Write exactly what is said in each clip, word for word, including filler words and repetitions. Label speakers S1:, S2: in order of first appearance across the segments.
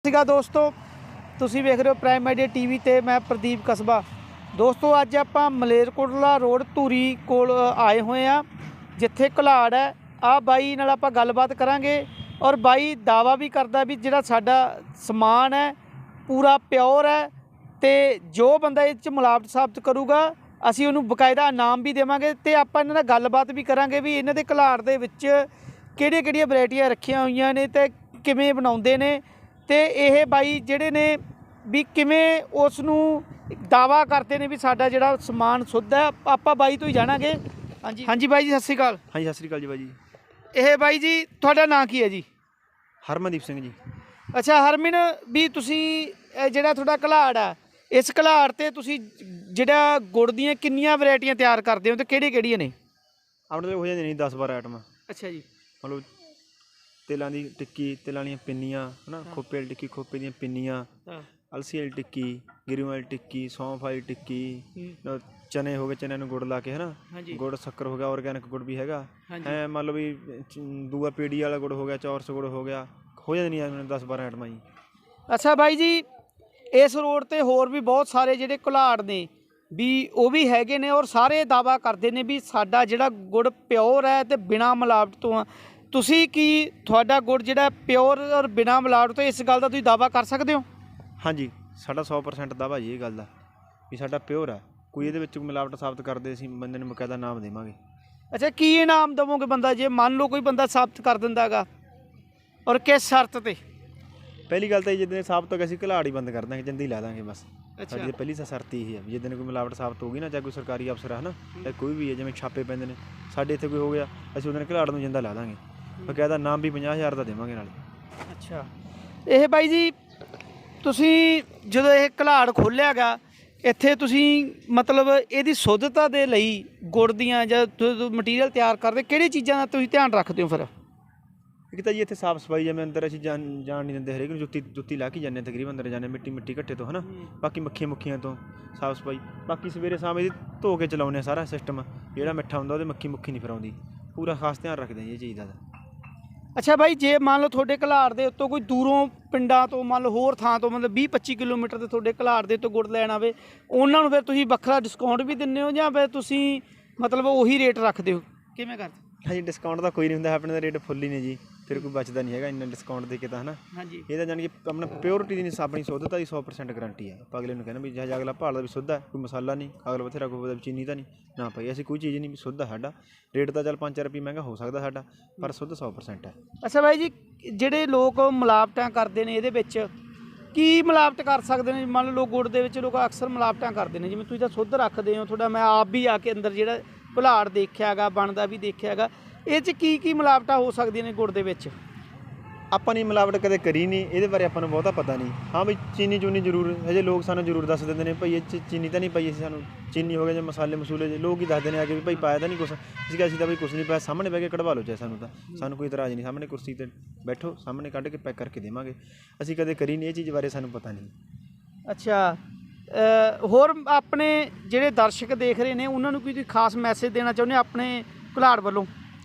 S1: ਸੀਗਾ ਦੋਸਤੋ, ਤੁਸੀਂ ਵੇਖ ਰਹੇ ਹੋ ਪ੍ਰਾਈਮ ਮੀਡੀਆ ਟੀਵੀ ਤੇ ਮੈਂ ਪ੍ਰਦੀਪ ਕਸਬਾ। ਦੋਸਤੋ ਅੱਜ ਆਪਾਂ ਮਲੇਰਕੋਟਲਾ ਰੋਡ ਧੂਰੀ ਕੋਲ ਆਏ ਹੋਏ ਆ, ਜਿੱਥੇ ਘੁਲਾੜ ਹੈ। ਆ ਬਾਈ ਨਾਲ ਆਪਾਂ ਗੱਲਬਾਤ ਕਰਾਂਗੇ ਔਰ ਬਾਈ ਦਾਵਾ ਵੀ ਕਰਦਾ ਵੀ ਜਿਹੜਾ ਸਾਡਾ ਸਮਾਨ ਹੈ ਪੂਰਾ ਪਿਓਰ ਹੈ, ਤੇ ਜੋ ਬੰਦਾ ਇਹ 'ਚ ਮਿਲਾਵਟ ਸਾਬਤ ਕਰੂਗਾ ਅਸੀਂ ਉਹਨੂੰ ਬਕਾਇਦਾ ਇਨਾਮ ਵੀ ਦੇਵਾਂਗੇ। ਤੇ ਆਪਾਂ ਇਹਨਾਂ ਨਾਲ ਗੱਲਬਾਤ ਵੀ ਕਰਾਂਗੇ ਵੀ ਇਹਨਾਂ ਦੇ ਘੁਲਾੜ ਦੇ ਵਿੱਚ ਕਿਹੜੀਆਂ ਕਿਹੜੀਆਂ ਵੈਰਾਈਟੀਆਂ ਰੱਖੀਆਂ ਹੋਈਆਂ ਨੇ ਤੇ ਕਿਵੇਂ ਬਣਾਉਂਦੇ ਨੇ, ਤੇ ਇਹ ਬਾਈ ਜਿਹੜੇ ਨੇ ਵੀ ਕਿਵੇਂ ਉਸ ਨੂੰ ਦਾਵਾ ਕਰਦੇ ਨੇ ਵੀ ਸਾਡਾ ਜਿਹੜਾ ਸਮਾਨ ਸ਼ੁੱਧ ਹੈ। ਆਪਾਂ ਬਾਈ ਤੋਂ ਹੀ ਜਾਣਾਂਗੇ। ਹਾਂਜੀ ਹਾਂਜੀ ਬਾਈ ਜੀ, ਸਤਿ ਸ਼੍ਰੀ ਅਕਾਲ।
S2: ਹਾਂਜੀ ਸਤਿ ਸ਼੍ਰੀ ਅਕਾਲ ਜੀ ਬਾਈ ਜੀ।
S1: ਇਹ ਬਾਈ ਜੀ ਤੁਹਾਡਾ ਨਾਂ ਕੀ ਹੈ ਜੀ?
S2: ਹਰਮਨਦੀਪ ਸਿੰਘ ਜੀ।
S1: ਅੱਛਾ ਹਰਮਨ, ਵੀ ਤੁਸੀਂ ਇਹ ਜਿਹੜਾ ਤੁਹਾਡਾ ਘੁਲਾੜ ਆ, ਇਸ ਘੁਲਾੜ 'ਤੇ ਤੁਸੀਂ ਜਿਹੜਾ ਗੁੜ ਦੀਆਂ ਕਿੰਨੀਆਂ ਵੈਰਾਈਟੀਆਂ ਤਿਆਰ ਕਰਦੇ ਹੋ ਤੇ ਕਿਹੜੀਆਂ ਕਿਹੜੀਆਂ ਨੇ?
S2: ਆਪਣੇ ਕੋਲ ਹੋ ਜਾਂਦੇ ਨਹੀਂ ਦਸ ਬਾਰਾਂ ਆਈਟਮਾਂ।
S1: ਅੱਛਾ ਜੀ।
S2: ਮਤਲਬ ਤਿਲਾਂ ਦੀ ਟਿੱਕੀ, ਤਿਲਾਂ ਵਾਲੀਆਂ ਪਿੰਨੀਆਂ, ਹੈ ਨਾ, ਖੋਪੇ ਵਾਲੀ ਟਿੱਕੀ, ਖੋਪੇ ਦੀਆਂ ਪਿੰਨੀਆਂ, ਅਲਸੀ ਵਾਲੀ ਟਿੱਕੀ, ਗਿਰੀ ਵਾਲੀ ਟਿੱਕੀ, ਸੌਂਫ ਵਾਲੀ ਟਿੱਕੀ, ਚਨੇ ਹੋ ਗਏ, ਚਨਿਆਂ ਨੂੰ ਗੁੜ ਲਾ ਕੇ, ਹੈ ਨਾ, ਗੁੜ ਸ਼ੱਕਰ ਹੋ ਗਿਆ, ਔਰਗੈਨਿਕ ਗੁੜ ਵੀ ਹੈਗਾ। ਐਂ ਮੰਨ ਲਓ ਵੀ ਦੂਆ ਪੀੜੀ ਵਾਲਾ ਗੁੜ ਹੋ ਗਿਆ, ਚੌਰਸ ਗੁੜ ਹੋ ਗਿਆ, ਹੋ ਜਾਂਦੀਆਂ ਨਹੀਂ ਦਸ ਬਾਰਾਂ ਆਈਟਮਾਂ ਜੀ।
S1: ਅੱਛਾ ਬਾਈ ਜੀ, ਇਸ ਰੋਡ 'ਤੇ ਹੋਰ ਵੀ ਬਹੁਤ ਸਾਰੇ ਜਿਹੜੇ ਘੁਲਾੜ ਨੇ ਵੀ ਉਹ ਵੀ ਹੈਗੇ ਨੇ ਔਰ ਸਾਰੇ ਦਾਵਾ ਕਰਦੇ ਨੇ ਵੀ ਸਾਡਾ ਜਿਹੜਾ ਗੁੜ ਪਿਓਰ ਹੈ ਤੇ ਬਿਨਾਂ ਮਿਲਾਵਟ ਤੋਂ ਆ। ਤੁਸੀਂ ਕੀ ਤੁਹਾਡਾ ਗੁੜ ਜਿਹੜਾ ਪਿਓਰ ਔਰ ਬਿਨਾਂ ਮਿਲਾਵਟ ਤੋਂ, ਇਸ ਗੱਲ ਦਾ ਤੁਸੀਂ ਦਾਵਾ ਕਰ ਸਕਦੇ ਹੋ?
S2: ਹਾਂਜੀ, ਸਾਡਾ ਸੌ ਪਰਸੈਂਟ ਦਾਵਾ ਜੀ ਇਹ ਗੱਲ ਦਾ ਵੀ ਸਾਡਾ ਪਿਓਰ ਆ। ਕੋਈ ਇਹਦੇ ਵਿੱਚ ਮਿਲਾਵਟ ਸਾਬਤ ਕਰਦੇ ਅਸੀਂ ਬੰਦੇ ਨੂੰ ਬਕਾਇਦਾ ਇਨਾਮ ਦੇਵਾਂਗੇ।
S1: ਅੱਛਾ, ਕੀ ਇਨਾਮ ਦੇਵੋਗੇ ਬੰਦਾ ਜੇ ਮੰਨ ਲਓ ਕੋਈ ਬੰਦਾ ਸਾਬਤ ਕਰ ਦਿੰਦਾ ਹੈਗਾ, ਔਰ ਕਿਸ ਸ਼ਰਤ 'ਤੇ?
S2: ਪਹਿਲੀ ਗੱਲ ਤਾਂ ਜਿੱਦਣ ਸਾਬਤ ਹੋ ਗਿਆ ਅਸੀਂ ਘੁਲਾੜ ਹੀ ਬੰਦ ਕਰ ਦਾਂਗੇ, ਜਿੰਦੀ ਲਾ ਦਾਂਗੇ ਬਸ।
S1: ਅੱਛਾ,
S2: ਸਾਡੀ ਪਹਿਲੀ ਸ਼ਰਤ ਇਹ ਹੈ ਵੀ ਜਿੱਦਣ ਕੋਈ ਮਿਲਾਵਟ ਸਾਬਤ ਹੋਊਗੀ ਨਾ, ਚਾਹੇ ਕੋਈ ਸਰਕਾਰੀ ਅਫਸਰ ਹੈ ਨਾ, ਚਾਹੇ ਕੋਈ ਵੀ ਹੈ, ਜਿਵੇਂ ਛਾਪੇ ਪੈਂਦੇ ਨੇ ਸਾਡੇ ਇੱਥੇ ਕੋਈ ਹੋ ਗਿਆ, ਅਸੀਂ ਉਹਦੇ ਘੁਲਾੜ ਨੂੰ ਜਿੰਦਾ ਲਾ ਦਾਂਗੇ। ਬਕਾਇਦਾ ਨਾਮ ਵੀ ਪੰਜਾਹ ਹਜ਼ਾਰ ਦਾ ਦੇਵਾਂਗੇ ਨਾਲ। ਅੱਛਾ,
S1: ਇਹ ਬਾਈ ਜੀ ਤੁਸੀਂ ਜਦੋਂ ਇਹ ਘੁਲਾੜ ਖੋਲ੍ਹਿਆ ਗਾ ਇੱਥੇ, ਤੁਸੀਂ ਮਤਲਬ ਇਹਦੀ ਸ਼ੁੱਧਤਾ ਦੇ ਲਈ ਗੁੜ ਦੀਆਂ ਜਾਂ ਮਟੀਰੀਅਲ ਤਿਆਰ ਕਰਦੇ ਕਿਹੜੀ ਚੀਜ਼ਾਂ ਦਾ ਤੁਸੀਂ ਧਿਆਨ ਰੱਖਦੇ ਹੋ ਫਿਰ?
S2: ਇੱਕ ਤਾਂ ਜੀ ਇੱਥੇ ਸਾਫ਼ ਸਫਾਈ, ਜਿਵੇਂ ਅੰਦਰ ਅਸੀਂ ਜਾਣ ਜਾਣ ਨਹੀਂ ਦਿੰਦੇ, ਹਰੇਕ ਨੂੰ ਜੁੱਤੀ ਜੁੱਤੀ ਲਾ ਕੇ ਜਾਂਦੇ, ਤਕਰੀਬਨ ਅੰਦਰ ਜਾਂਦੇ, ਮਿੱਟੀ ਮਿੱਟੀ ਘੱਟੇ ਤੋਂ, ਹੈ ਨਾ। ਬਾਕੀ ਮੱਖੀਆਂ ਮੁੱਖੀਆਂ ਤੋਂ ਸਾਫ਼ ਸਫਾਈ। ਬਾਕੀ ਸਵੇਰੇ ਸ਼ਾਮ ਇਹਦੀ ਧੋ ਕੇ ਚਲਾਉਂਦੇ ਹਾਂ ਸਾਰਾ ਸਿਸਟਮ। ਜਿਹੜਾ ਮਿੱਠਾ ਹੁੰਦਾ ਉਹਦੇ ਮੱਖੀ ਮੁੱਖੀ ਨਹੀਂ ਫਿਰ ਆਉਂਦੀ। ਪੂਰਾ ਖਾਸ ਧਿਆਨ ਰੱਖਦੇ ਜੀ ਇਹ ਚੀਜ਼ ਦਾ।
S1: ਅੱਛਾ ਬਾਈ, ਜੇ ਮੰਨ ਲਓ ਤੁਹਾਡੇ ਘੁਲਾੜ ਦੇ ਉੱਤੋਂ ਕੋਈ ਦੂਰੋਂ ਪਿੰਡਾਂ ਤੋਂ, ਮੰਨ ਲਓ ਹੋਰ ਥਾਂ ਤੋਂ, ਮਤਲਬ ਵੀਹ ਪੱਚੀ ਕਿਲੋਮੀਟਰ ਦੇ ਤੁਹਾਡੇ ਘੁਲਾੜ ਦੇ ਉੱਤੋਂ ਗੁੜ ਲੈਣ ਆਵੇ, ਉਹਨਾਂ ਨੂੰ ਫਿਰ ਤੁਸੀਂ ਵੱਖਰਾ ਡਿਸਕਾਊਂਟ ਵੀ ਦਿੰਦੇ ਹੋ ਜਾਂ ਫਿਰ ਤੁਸੀਂ ਮਤਲਬ ਉਹੀ ਰੇਟ ਰੱਖਦੇ ਹੋ, ਕਿਵੇਂ ਕਰਦੇ?
S2: ਹਾਂਜੀ, ਡਿਸਕਾਊਂਟ ਤਾਂ ਕੋਈ ਨਹੀਂ ਹੁੰਦਾ, ਆਪਣੇ ਦਾ ਰੇਟ ਫੁੱਲ ਹੀ ਨੇ ਜੀ, ਫਿਰ ਕੋਈ ਬਚਦਾ ਨਹੀਂ ਹੈਗਾ ਇੰਨਾ ਡਿਸਕਾਊਂਟ ਦੇ ਕੇ ਤਾਂ, ਹੈ ਨਾ।
S1: ਹਾਂਜੀ,
S2: ਇਹ ਤਾਂ ਜਾਣੀ ਕਿ ਆਪਣਾ ਪਿਓਰਿਟੀ ਦੀ ਆਪਣੀ ਸ਼ੁੱਧਤਾ ਦੀ ਸੌ ਪਰਸੈਂਟ ਗਰੰਟੀ ਹੈ। ਆਪਾਂ ਅਗਲੇ ਨੂੰ ਕਹਿੰਦਾ ਵੀ ਜਿਹੜਾ ਅਗਲਾ ਭਾਲਦਾ ਵੀ ਸ਼ੁੱਧ ਹੈ, ਕੋਈ ਮਸਾਲਾ ਨਹੀਂ, ਅਗਲਾ ਬਥੇਰਾ ਕੋਈ ਚੀਨੀ ਤਾਂ ਨਹੀਂ ਨਾ ਭਾਈ, ਅਸੀਂ ਕੋਈ ਚੀਜ਼ ਨਹੀਂ, ਵੀ ਸ਼ੁੱਧ ਹੈ ਸਾਡਾ। ਰੇਟ ਤਾਂ ਚੱਲ ਪੰਜ ਚਾਰ ਰੁਪਏ ਮਹਿੰਗਾ ਹੋ ਸਕਦਾ ਸਾਡਾ, ਪਰ ਸ਼ੁੱਧ ਸੌ ਪਰਸੈਂਟ ਹੈ।
S1: ਅੱਛਾ ਬਾਈ ਜੀ, ਜਿਹੜੇ ਲੋਕ ਮਿਲਾਵਟਾਂ ਕਰਦੇ ਨੇ ਇਹਦੇ ਵਿੱਚ ਕੀ ਮਿਲਾਵਟ ਕਰ ਸਕਦੇ ਨੇ? ਮੰਨ ਲਓ ਗੁੜ ਦੇ ਵਿੱਚ ਲੋਕ ਅਕਸਰ ਮਿਲਾਵਟਾਂ ਕਰਦੇ ਨੇ, ਜਿਵੇਂ ਤੁਸੀਂ ਤਾਂ ਸ਼ੁੱਧ ਰੱਖਦੇ ਹੋ, ਤੁਹਾਡਾ ਮੈਂ ਆਪ ਵੀ ਆ ਕੇ ਅੰਦਰ ਜਿਹੜਾ ਘੁਲਾੜ ਦੇਖਿਆ ਹੈਗਾ, ਬਣਦਾ ਵੀ ਦੇਖਿਆ ਹੈਗਾ, ਇਹ 'ਚ ਕੀ ਕੀ ਮਿਲਾਵਟਾਂ ਹੋ ਸਕਦੀਆਂ ਨੇ ਗੁੜ ਦੇ ਵਿੱਚ?
S2: ਆਪਾਂ ਨੇ ਮਿਲਾਵਟ ਕਦੇ ਕਰੀ ਨਹੀਂ, ਇਹਦੇ ਬਾਰੇ ਆਪਾਂ ਨੂੰ ਬਹੁਤਾ ਪਤਾ ਨਹੀਂ। ਹਾਂ ਵੀ ਚੀਨੀ ਚੂਨੀ ਜ਼ਰੂਰ ਹਜੇ ਲੋਕ ਸਾਨੂੰ ਜ਼ਰੂਰ ਦੱਸ ਦਿੰਦੇ ਨੇ ਭਾਈ ਇਹ 'ਚ ਚੀਨੀ ਤਾਂ ਨਹੀਂ ਪਾਈ, ਅਸੀਂ ਸਾਨੂੰ ਚੀਨੀ ਹੋ ਗਿਆ ਜਾਂ ਮਸਾਲੇ ਮਸੂਲੇ ਜੇ ਲੋਕ ਹੀ ਦੱਸਦੇ ਨੇ ਆ ਕੇ ਵੀ ਭਾਈ ਪਾਇਆ ਤਾਂ ਨਹੀਂ ਕੁਛ। ਅਸੀਂ ਕਿਹਾ ਅਸੀਂ ਤਾਂ ਭਾਈ ਕੁਛ ਨਹੀਂ ਪਾਇਆ, ਸਾਹਮਣੇ ਬਹਿ ਕੇ ਕਢਵਾ ਲਓ ਚਾਹੇ, ਸਾਨੂੰ ਤਾਂ ਸਾਨੂੰ ਕੋਈ ਇਤਰਾਜ਼ ਨਹੀਂ, ਸਾਹਮਣੇ ਕੁਰਸੀ 'ਤੇ ਬੈਠੋ, ਸਾਹਮਣੇ ਕੱਢ ਕੇ ਪੈਕ ਕਰਕੇ ਦੇਵਾਂਗੇ। ਅਸੀਂ ਕਦੇ ਕਰੀ ਨਹੀਂ ਇਹ ਚੀਜ਼ ਬਾਰੇ, ਸਾਨੂੰ ਪਤਾ ਨਹੀਂ।
S1: ਅੱਛਾ, ਹੋਰ ਆਪਣੇ ਜਿਹੜੇ ਦਰਸ਼ਕ ਦੇਖ ਰਹੇ ਨੇ ਉਹਨਾਂ ਨੂੰ ਕੋਈ ਤੁਸੀਂ ਖਾਸ ਮੈਸੇਜ ਦੇਣਾ ਚਾਹੁੰਦੇ ਆਪਣੇ ਘੁਲਾੜ ਵੱਲੋਂ?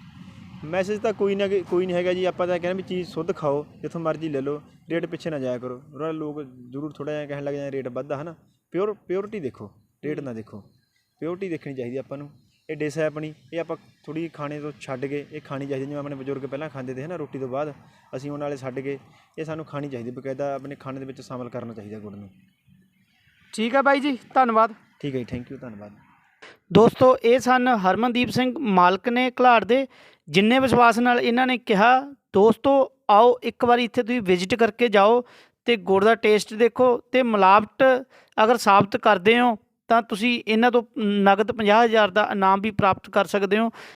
S1: ਮੈਸੇਜ
S2: ਤਾਂ ਕੋਈ ਨਾ ਕੋਈ ਨਹੀਂ ਹੈਗਾ ਜੀ। ਆਪਾਂ ਤਾਂ ਕਹਿੰਦੇ ਵੀ ਚੀਜ਼ ਸ਼ੁੱਧ ਖਾਓ, ਜਿੱਥੋਂ ਮਰਜ਼ੀ ਲੈ ਲਓ, ਰੇਟ ਪਿੱਛੇ ਨਾ ਜਾਇਆ ਕਰੋ। ਉਹਨਾਂ ਲੋਕ ਜ਼ਰੂਰ ਥੋੜ੍ਹਾ ਜਿਹਾ ਕਹਿਣ ਲੱਗ ਜਾਂਦੇ ਰੇਟ ਵੱਧਦਾ, ਹੈ ਨਾ। ਪਿਓਰ ਪਿਓਰਿਟੀ ਦੇਖੋ, ਰੇਟ ਨਾ ਦੇਖੋ, ਪਿਓਰਿਟੀ ਦੇਖਣੀ ਚਾਹੀਦੀ ਆਪਾਂ ਨੂੰ। ਇਹ ਡਿਸ਼ ਹੈ ਆਪਣੀ, ਇਹ ਆਪਾਂ ਥੋੜ੍ਹੀ ਖਾਣੇ ਤੋਂ ਛੱਡ ਕੇ ਇਹ ਖਾਣੀ ਚਾਹੀਦੀ, ਜਿਵੇਂ ਆਪਣੇ ਬਜ਼ੁਰਗ ਪਹਿਲਾਂ ਖਾਂਦੇ ਤੇ, ਹੈ ਨਾ, ਰੋਟੀ ਤੋਂ ਬਾਅਦ ਅਸੀਂ ਉਹਨਾਂ ਵਾਲੇ ਛੱਡ ਕੇ ਇਹ ਸਾਨੂੰ ਖਾਣੀ ਚਾਹੀਦੀ, ਬਕਾਇਦਾ ਆਪਣੇ ਖਾਣੇ ਦੇ ਵਿੱਚ ਸ਼ਾਮਲ ਕਰਨਾ ਚਾਹੀਦਾ ਗੁੜ ਨੂੰ।
S1: ਠੀਕ ਹੈ ਬਾਈ ਜੀ, ਧੰਨਵਾਦ।
S2: ਠੀਕ ਹੈ ਜੀ, ਥੈਂਕ ਯੂ, ਧੰਨਵਾਦ।
S1: ਦੋਸਤੋ ਇਹ ਸਨ ਹਰਮਨਦੀਪ ਸਿੰਘ, ਮਾਲਕ ਨੇ ਘੁਲਾੜ ਦੇ, ਜਿੰਨੇ ਵਿਸ਼ਵਾਸ ਨਾਲ ਇਹਨਾਂ ਨੇ ਕਿਹਾ। ਦੋਸਤੋ ਆਓ ਇੱਕ ਵਾਰੀ ਇੱਥੇ ਤੁਸੀਂ ਵਿਜ਼ਿਟ ਕਰਕੇ ਜਾਓ ਅਤੇ ਗੁੜ ਦਾ ਟੇਸਟ ਦੇਖੋ, ਅਤੇ ਮਿਲਾਵਟ ਅਗਰ ਸਾਬਤ ਕਰਦੇ ਹੋ ਤਾਂ ਤੁਸੀਂ ਇਹਨਾਂ ਤੋਂ ਨਗਦ ਪੰਜਾਹ ਹਜ਼ਾਰ ਦਾ ਇਨਾਮ ਵੀ ਪ੍ਰਾਪਤ ਕਰ ਸਕਦੇ ਹੋ।